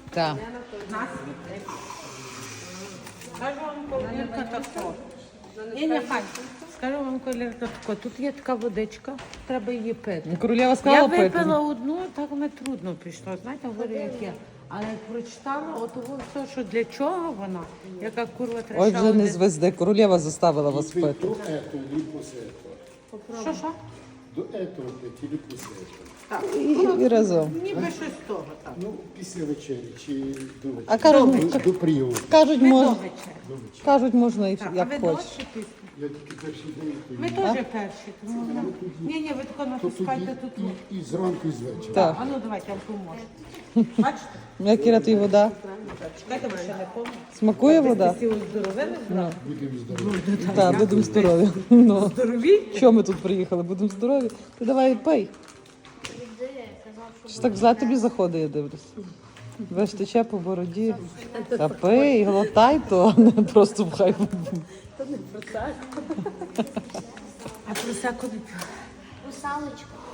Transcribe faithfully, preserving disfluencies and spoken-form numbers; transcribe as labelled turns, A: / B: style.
A: Так.
B: Скажу вам, колірка тако. Ні, ні, хай. Скажу вам, колірка тако. Тут є така водичка, треба її пити.
A: Королева
B: Я
A: сказала пити.
B: випила одну, так мені трудно пішло. Знаєте, говорю, як є. Але як прочитала, от все, що для чого вона, яка курва треба.
A: Ой,
B: ще
A: вже не
B: один.
A: звезде. Королева заставила вас
C: До
A: пити.
C: этого или после этого?
B: Що, що?
C: До этого пить или после этого?
B: Так.
A: І, і разом.
B: Ніби щось з того, так.
C: Ну, після вечері чи до вечері?
A: А кажуть,
C: до, до прийому.
A: кажуть,
B: Ми
A: мож...
B: до вечора.
A: кажуть, можна і
B: Так, а
A: як
B: ви
A: хочеш.
B: до чи після?
C: Я тільки перший день
B: Ми
C: поїду.
B: теж перші, тому ні, ні, ви тако
C: То
B: натискайте
C: тоді
B: тут.
C: і, і зранку, і з вечора.
A: Так.
B: А ну давайте, я вам поможу. Бачите?
A: Як Іра, тобі вода?
B: Чекайте, ви ще не помните.
A: Смакує вода?
B: Всі оздоровили зразу.
C: Будемо здорові.
A: Так, будемо здорові. Ну.
B: Здорові?
A: Що ми тут приїхали? Будемо здорові. Ти давай пий. Що так зле тобі заходить, я дивлюсь. Весь тече по бороді. Та пий, глотай то, а не просто пхай.
B: А просеку не п'ю.
D: Русалочка.